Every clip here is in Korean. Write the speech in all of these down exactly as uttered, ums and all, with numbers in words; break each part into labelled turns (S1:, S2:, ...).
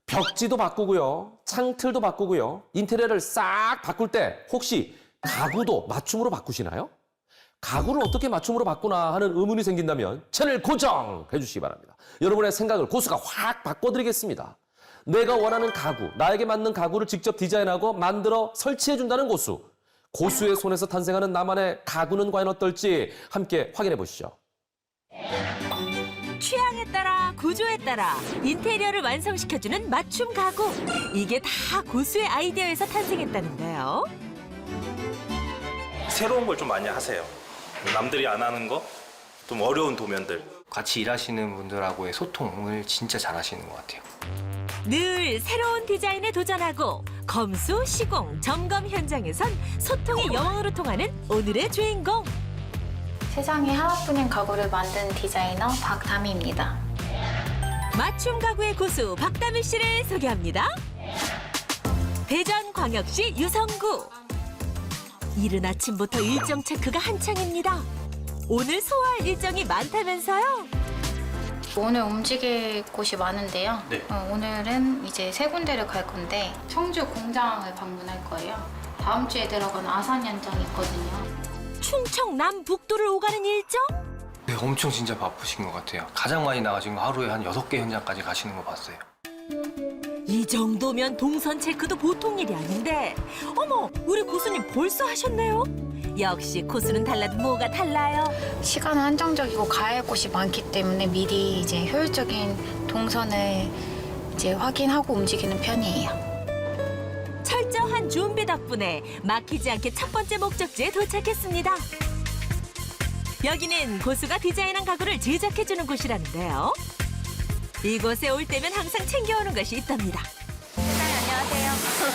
S1: 벽지도 바꾸고요. 창틀도 바꾸고요. 인테리어를 싹 바꿀 때 혹시 가구도 맞춤으로 바꾸시나요? 가구를 어떻게 맞춤으로 바꾸나 하는 의문이 생긴다면 채널 고정해 주시기 바랍니다. 여러분의 생각을 고수가 확 바꿔드리겠습니다. 내가 원하는 가구, 나에게 맞는 가구를 직접 디자인하고 만들어 설치해준다는 고수. 고수의 손에서 탄생하는 나만의 가구는 과연 어떨지 함께 확인해 보시죠.
S2: 취향에 따라 구조에 따라 인테리어를 완성시켜주는 맞춤 가구. 이게 다 고수의 아이디어에서 탄생했다는데요.
S3: 새로운 걸 좀 많이 하세요. 남들이 안 하는 거, 좀 어려운 도면들.
S4: 같이 일하시는 분들하고의 소통을 진짜 잘 하시는 것 같아요.
S2: 늘 새로운 디자인에 도전하고 검수, 시공, 점검 현장에선 소통의 여왕으로 통하는 오늘의 주인공.
S5: 세상에 하나뿐인 가구를 만든 디자이너 박다미입니다.
S2: 맞춤 가구의 고수 박다미 씨를 소개합니다. 대전광역시 유성구. 이른 아침부터 일정 체크가 한창입니다. 오늘 소화할 일정이 많다면서요?
S5: 오늘 움직일 곳이 많은데요.
S3: 네.
S5: 어, 오늘은 이제 세 군데를 갈 건데 청주 공장을 방문할 거예요. 다음 주에 들어가는 아산 현장이 있거든요.
S2: 충청 남북도를 오가는 일정?
S4: 네, 엄청 진짜 바쁘신 것 같아요. 가장 많이 나가신 거 하루에 한 여섯 개 현장까지 가시는 거 봤어요.
S2: 이 정도면 동선 체크도 보통 일이 아닌데 어머, 우리 고수님 벌써 하셨네요? 역시 고수는 달라도 뭐가 달라요?
S5: 시간은 한정적이고 가야 할 곳이 많기 때문에 미리 이제 효율적인 동선을 이제 확인하고 움직이는 편이에요.
S2: 철저한 준비 덕분에 막히지 않게 첫 번째 목적지에 도착했습니다. 여기는 고수가 디자인한 가구를 제작해주는 곳이라는데요. 이곳에 올 때면 항상 챙겨오는 것이 있답니다.
S6: 안녕하세요.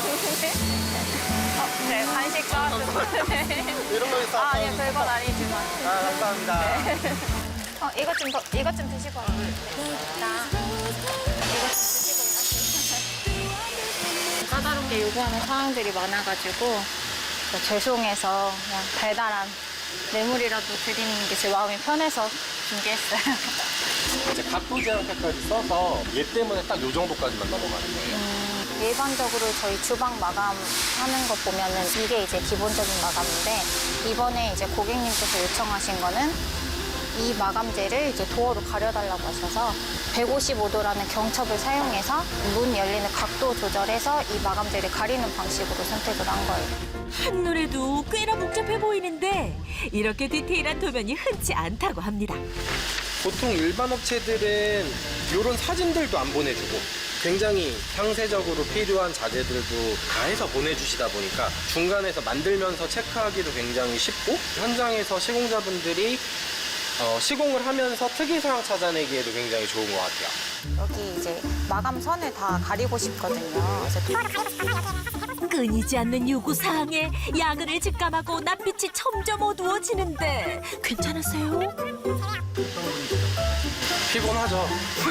S6: 어, 네, 간식 좋아하는
S7: 이런 거 있어.
S6: 아, 아니요, 별건 아니지만.
S7: 아, 감사합니다.
S6: 어, 이것 좀, 더, 이것 좀 드시고 가세요. 나 이것 좀 드시고 가세요.
S5: 까다롭게 게 요구하는 사항들이 많아가지고 죄송해서 그냥 달달한 뇌물이라도 드리는 게 제 마음이 편해서 준비했어요.
S7: 이제 각도 제한까지 써서 얘 때문에 딱 요 정도까지만 넘어가는 거예요.
S5: 음, 일반적으로 저희 주방 마감하는 거 보면은 이게 이제 기본적인 마감인데 이번에 이제 고객님께서 요청하신 거는 이 마감재를 이제 도어로 가려달라고 하셔서 백오십오 도라는 경첩을 사용해서 문 열리는 각도 조절해서 이 마감재를 가리는 방식으로 선택을 한 거예요.
S2: 한눈에도 꽤나 복잡해 보이는데 이렇게 디테일한 도면이 흔치 않다고 합니다.
S7: 보통 일반 업체들은 이런 사진들도 안 보내주고 굉장히 상세적으로 필요한 자재들도 다 해서 보내주시다 보니까 중간에서 만들면서 체크하기도 굉장히 쉽고 현장에서 시공자분들이 어, 시공을 하면서 특이사항 찾아내기에도 굉장히 좋은 것 같아요.
S5: 여기 이제 마감선을 다 가리고 싶거든요. 그래서
S2: 끊이지 않는 요구사항에 야근을 직감하고 낯빛이 점점 어두워지는데 괜찮으세요?
S7: 피곤하죠.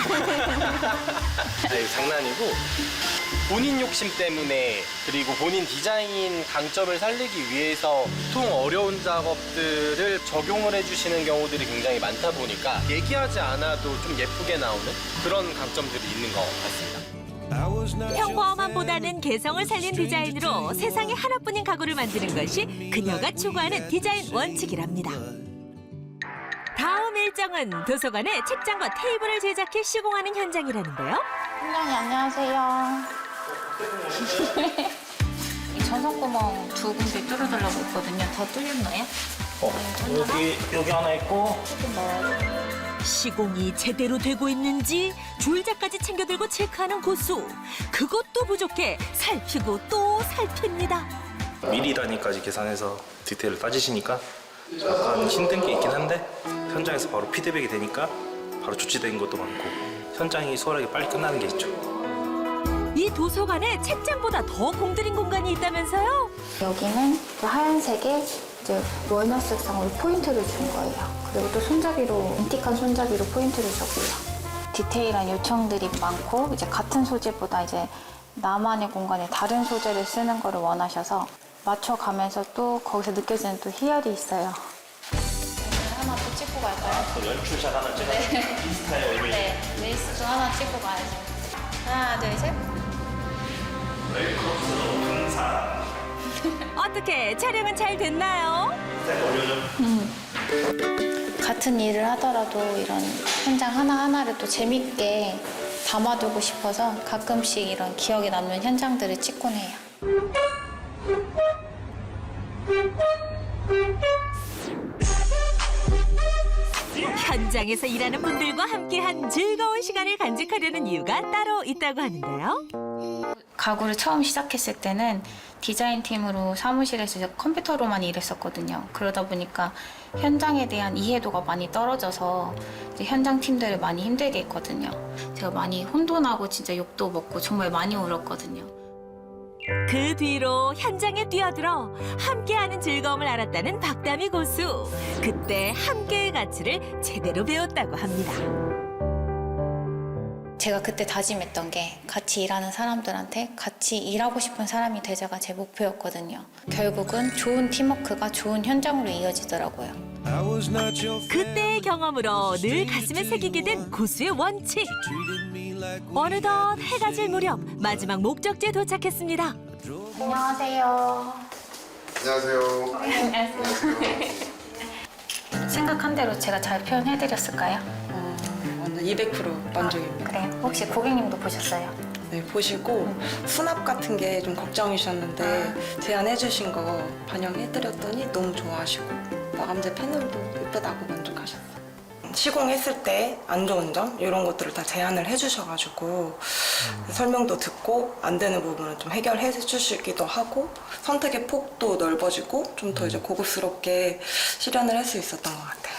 S7: 아니, 장난이고 본인 욕심 때문에 그리고 본인 디자인 강점을 살리기 위해서 보통 어려운 작업들을 적용을 해주시는 경우들이 굉장히 많다 보니까 얘기하지 않아도 좀 예쁘게 나오는 그런 강점들이 있는 것 같습니다.
S2: 평범함보다는 개성을 살린 디자인으로 세상에 하나뿐인 가구를 만드는 것이 그녀가 추구하는 디자인 원칙이랍니다. 다음 일정은 도서관에 책장과 테이블을 제작해 시공하는 현장이라는데요.
S5: 팀장님 안녕하세요. 이 전선구멍 두 군데 뚫어달라고 했거든요. 다 뚫렸나요?
S3: 어, 여기 여기 하나 있고
S2: 시공이 제대로 되고 있는지 줄자까지 챙겨들고 체크하는 고수. 그것도 부족해 살피고 또 살핍니다.
S3: 미리 단위까지 계산해서 디테일을 따지시니까 약간 힘든 게 있긴 한데 현장에서 바로 피드백이 되니까 바로 조치된 것도 많고 현장이 수월하게 빨리 끝나는 게 있죠.
S2: 이 도서관에 책장보다 더 공들인 공간이 있다면서요?
S5: 여기는 그 하얀색에 이제 월넛 색상으로 포인트를 준 거예요. 그리고 또 손잡이로, 인틱한 손잡이로 포인트를 줬고요. 디테일한 요청들이 많고 이제 같은 소재보다 이제 나만의 공간에 다른 소재를 쓰는 거를 원하셔서 맞춰가면서 또 거기서 느껴지는 또 희열이 있어요. 하나 또 찍고 갈까요?
S3: 연출샷 하나 찍어서 인스타에 올리고
S5: 네, 레이스 좀 하나 찍고 가야죠. 하나, 둘, 셋.
S2: 어떻게 촬영은 잘 됐나요?
S5: 같은 일을 하더라도 이런 현장 하나하나를 또 재밌게 담아두고 싶어서 가끔씩 이런 기억에 남는 현장들을 찍곤 해요.
S2: 현장에서 일하는 분들과 함께한 즐거운 시간을 간직하려는 이유가 따로 있다고 하는데요.
S5: 가구를 처음 시작했을 때는 디자인팀으로 사무실에서 이제 컴퓨터로만 일했었거든요. 그러다 보니까 현장에 대한 이해도가 많이 떨어져서 이제 현장 팀들을 많이 힘들게 했거든요. 제가 많이 혼돈하고 진짜 욕도 먹고 정말 많이 울었거든요.
S2: 그 뒤로 현장에 뛰어들어 함께하는 즐거움을 알았다는 박다미 고수. 그때 함께의 가치를 제대로 배웠다고 합니다.
S5: 제가 그때 다짐했던 게 같이 일하는 사람들한테 같이 일하고 싶은 사람이 되자가 제 목표였거든요. 결국은 좋은 팀워크가 좋은 현장으로 이어지더라고요.
S2: 그때의 경험으로 늘 가슴에 새기게 된 고수의 원칙. 어느덧 해가 질 무렵 마지막 목적지에 도착했습니다.
S5: 안녕하세요.
S8: 안녕하세요.
S5: 안녕하세요. 생각한 대로 제가 잘 표현해드렸을까요?
S9: 완전 이백 퍼센트 만족입니다.
S5: 그래요? 혹시 고객님도 보셨어요?
S9: 네, 보시고 수납 같은 게 좀 걱정이셨는데 제안해주신 거 반영해드렸더니 너무 좋아하시고 마감재 패널도 예쁘다고 만족하셨어요. 시공했을 때 안 좋은 점 이런 것들을 다 제안을 해주셔가지고 설명도 듣고 안 되는 부분은 좀 해결해 주시기도 하고 선택의 폭도 넓어지고 좀 더 이제 고급스럽게 실현을 할 수 있었던 것 같아요.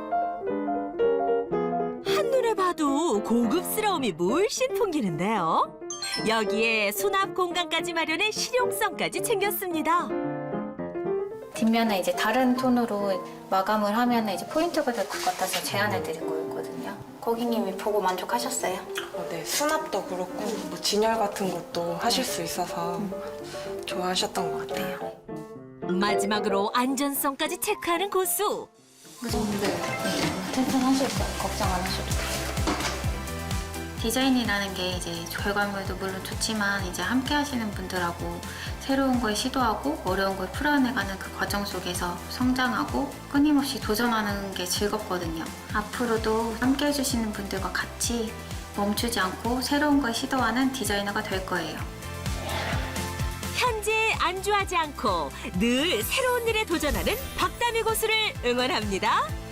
S2: 한눈에 봐도 고급스러움이 물씬 풍기는데요. 여기에 수납 공간까지 마련해 실용성까지 챙겼습니다.
S5: 뒷면에 이제 다른 톤으로 마감을 하면 이제 포인트가 될 것 같아서 제안을 드린 거였거든요. 고객님이 보고 만족하셨어요?
S9: 어, 네, 수납도 그렇고 뭐 진열 같은 것도 하실 수 있어서 좋아하셨던 것 같아요.
S2: 마지막으로 안전성까지 체크하는 고수.
S5: 네, 튼튼하실 거예요. 걱정 안 하셔도 돼요. 디자인이라는 게 이제 결과물도 물론 좋지만 이제 함께 하시는 분들하고 새로운 걸 시도하고 어려운 걸 풀어내가는 그 과정 속에서 성장하고 끊임없이 도전하는 게 즐겁거든요. 앞으로도 함께 해주시는 분들과 같이 멈추지 않고 새로운 걸 시도하는 디자이너가 될 거예요.
S2: 현재에 안주하지 않고 늘 새로운 일에 도전하는 박다미 고수를 응원합니다.